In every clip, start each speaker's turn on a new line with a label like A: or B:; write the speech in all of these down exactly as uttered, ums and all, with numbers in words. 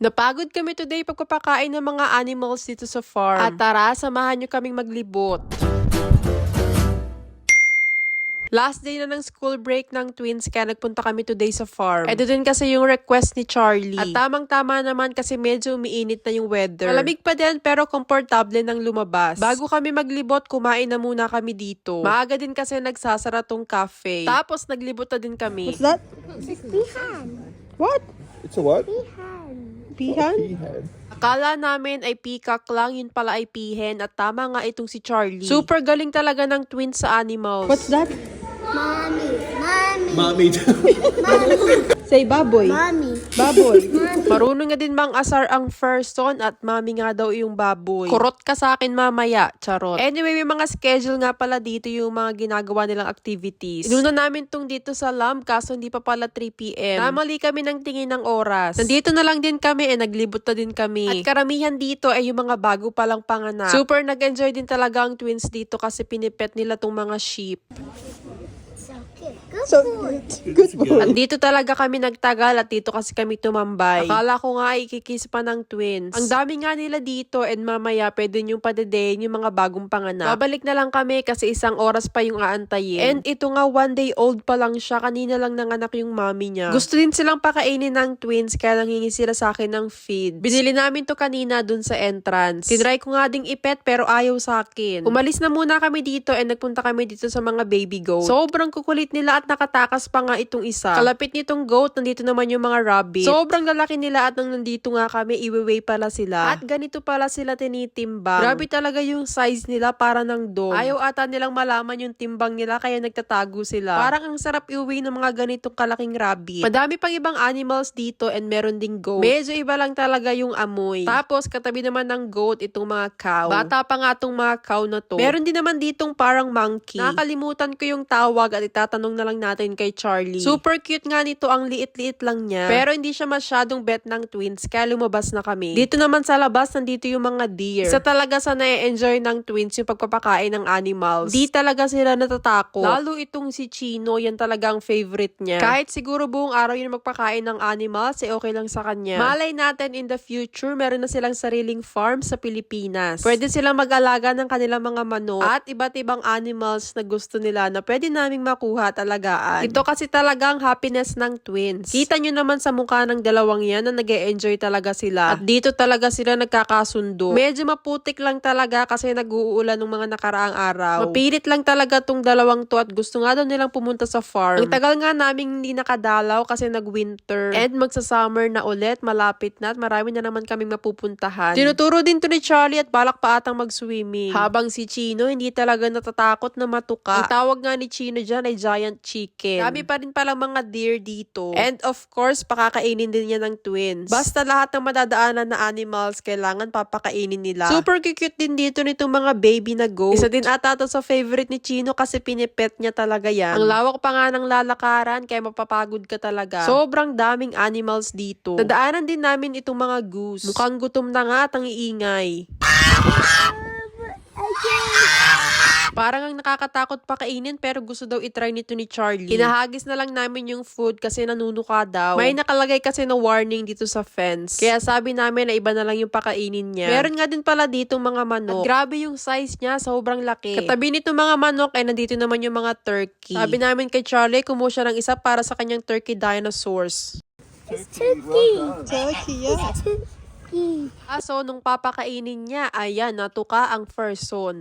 A: Napagod kami today pagpapakain ng mga animals dito sa farm. At tara, samahan nyo kaming maglibot. Last day na ng school break ng twins kaya nagpunta kami today sa farm. Ito din kasi yung request ni Charlie. At tamang-tama naman kasi medyo umiinit na yung weather. Malamig pa din pero komportable nang lumabas. Bago kami maglibot, kumain na muna kami dito. Maaga din kasi nagsasara tong cafe. Tapos naglibot na din kami.
B: What's that?
C: Pihan.
B: What?
C: It's a what?
B: Peahen?
C: Peahen.
A: Akala namin ay peacock lang, yun pala ay pihen at tama nga itong si Charlie. Super galing talaga ng twins sa animals.
B: What's that?
C: Mommy. Mommy.
D: Mommy.
B: Say baboy.
C: Mommy.
B: Baboy.
A: Marunong nga din mang asar ang person at mami nga daw yung baboy. Kurot ka sa akin mamaya, charot. Anyway, may mga schedule nga pala dito yung mga ginagawa nilang activities. Inuna namin tong dito sa Lamb kaso hindi pa pala three p m Namali kami ng tingin ng oras. Nandito na lang din kami eh, naglibot na din kami. At karamihan dito ay yung mga bago palang panganak. Super nag-enjoy din talaga ang twins dito kasi pinipet nila tong mga sheep.
C: So cute. Good
B: So
C: boy.
B: good. Good boy.
A: At dito talaga kami nagtagal at dito kasi kami tumambay. Akala ko nga ikikis pa ng twins. Ang dami nga nila dito and mamaya pwede nyo padedein yung mga bagong panganak. Babalik na lang kami kasi isang oras pa yung aantayin. And ito nga one day old pa lang siya. Kanina lang nanganak yung mami niya. Gusto din silang pakainin ng twins kaya nangingi sila sa akin ng feed. Binili namin to kanina dun sa entrance. Tinry ko nga ding ipet pero ayaw sa akin. Umalis na muna kami dito and nagpunta kami dito sa mga baby goat. Sobrang kukulit nila at nakatakas pa nga itong isa. Kalapit nitong goat, nandito naman yung mga rabbit. Sobrang lalaki nila at nang nandito nga kami, iwiway pala sila. At ganito pala sila tinitimbang. Grabe talaga yung size nila para ng dog. Ayaw ata nilang malaman yung timbang nila kaya nagtatago sila. Parang ang sarap iuwi ng mga ganitong kalaking rabbit. Madami pang ibang animals dito and meron ding goat. Medyo iba lang talaga yung amoy. Tapos katabi naman ng goat itong mga cow. Bata pa nga tong mga cow na to. Meron din naman ditong parang monkey. Nakakalimutan ko yung tawag at itatanong na lang natin kay Charlie. Super cute nga nito, ang liit-liit lang niya. Pero hindi siya masyadong bet ng twins kaya lumabas na kami. Dito naman sa labas, nandito yung mga deer. Isa talaga sa na-enjoy ng twins yung pagpapakain ng animals. Di talaga sila natatakot. Lalo itong si Chino, yan talaga ang favorite niya. Kahit siguro buong araw yun magpakain ng animals, eh okay lang sa kanya. Malay natin in the future, meron na silang sariling farm sa Pilipinas. Pwede silang mag-alaga ng kanilang mga manok at iba't ibang animals na gusto nila na pwede naming makuha talagaan. Ito kasi talagang happiness ng twins. Kita nyo naman sa mukha ng dalawang yan na nag-e-enjoy talaga sila. At dito talaga sila nagkakasundo. Medyo maputik lang talaga kasi nag-uulan ng mga nakaraang araw. Mapilit lang talaga tong dalawang to at gusto nga daw nilang pumunta sa farm. Ang tagal nga naming hindi nakadalaw kasi nag-winter. And magsa-summer na ulit, malapit na at marami na naman kaming mapupuntahan. Tinuturo din to ni Charlie at balak pa atang mag-swimming. Habang si Chino hindi talaga natatakot na matuka. Ang tawag nga ni Chino dyan ay giant chicken. Dami pa rin palang mga deer dito. And of course, pakakainin din yan ng twins. Basta lahat ng madadaanan na animals, kailangan papakainin nila. Super cute din dito nitong mga baby na goat. Isa din ata to sa favorite ni Chino kasi pinipet niya talaga yan. Ang lawak pa nga ng lalakaran kaya mapapagod ka talaga. Sobrang daming animals dito. Nadaanan din namin itong mga goose. Mukhang gutom na nga at ang iingay. Parang ang nakakatakot pa kainin pero gusto daw itry nito ni Charlie. Hinahagis na lang namin yung food kasi nanunuka daw. May nakalagay kasi na warning dito sa fence. Kaya sabi namin na iba na lang yung pakainin niya. Meron nga din pala ditong mga manok. At grabe yung size niya, sobrang laki. Katabi nito mga manok ay nandito naman yung mga turkey. Sabi namin kay Charlie, kumuha siya ng isa para sa kanyang turkey dinosaurs.
C: It's turkey.
B: Turkey, yeah.
C: Turkey.
A: Aso, nung papakainin niya, ayan, natuka ang person.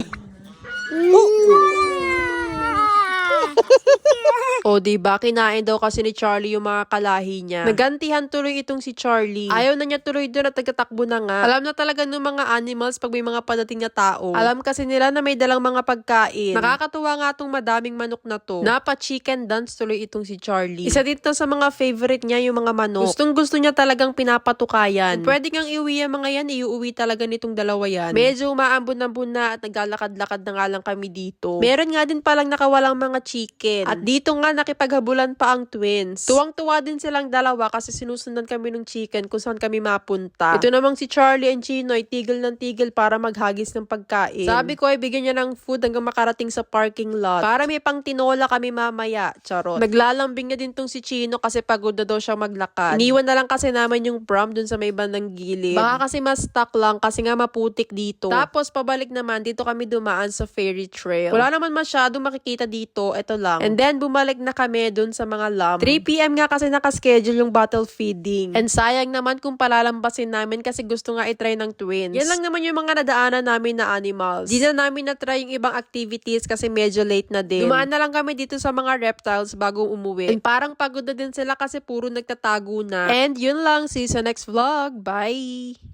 A: O, diba? Kinain daw kasi ni Charlie yung mga kalahi niya. Nagantihan tuloy itong si Charlie. Ayaw na niya tuloy doon at nagtatakbo na nga. Alam na talaga ng mga animals pag may mga padating na tao. Alam kasi nila na may dalang mga pagkain. Nakakatuwa nga tong madaming manok na to. Napa-chicken dance tuloy itong si Charlie. Isa dito sa mga favorite niya yung mga manok. Gustong gusto niya talagang pinapatukayan. Kung pwede kang iuwi ang mga yan, iuwi talaga nitong dalawa yan. Medyo umaambon-ambon na at naglalakad-lakad na nga lang kami dito. Meron nga din palang nakawalang mga chicken. chicken. At dito nga nakipaghabulan pa ang twins. Tuwang-tuwa din silang dalawa kasi sinusundan kami ng chicken kung saan kami mapunta. Ito namang si Charlie and Chinoy, tigil ng tigil para maghagis ng pagkain. Sabi ko ay bigyan niya ng food hanggang makarating sa parking lot. Para may pang tinola kami mamaya. Charot. Naglalambing na din tong si Chino kasi pagod na daw siya maglakad. Iniwan na lang kasi naman yung prom dun sa may bandang gilid. Baka kasi mas stuck lang kasi nga maputik dito. Tapos pabalik naman, dito kami dumaan sa ferry trail. Wala naman masyado makikita dito. Ito lang. And then bumalik na kami dun sa mga lamb. three p m nga kasi nakaschedule yung bottle feeding. And sayang naman kung palalambasin namin kasi gusto nga itry ng twins. Yan lang naman yung mga nadaanan namin na animals. Di na namin na-try yung ibang activities kasi medyo late na din. Dumaan na lang kami dito sa mga reptiles bago umuwi. And parang pagod na din sila kasi puro nagtatago na. And yun lang. See you sa next vlog. Bye!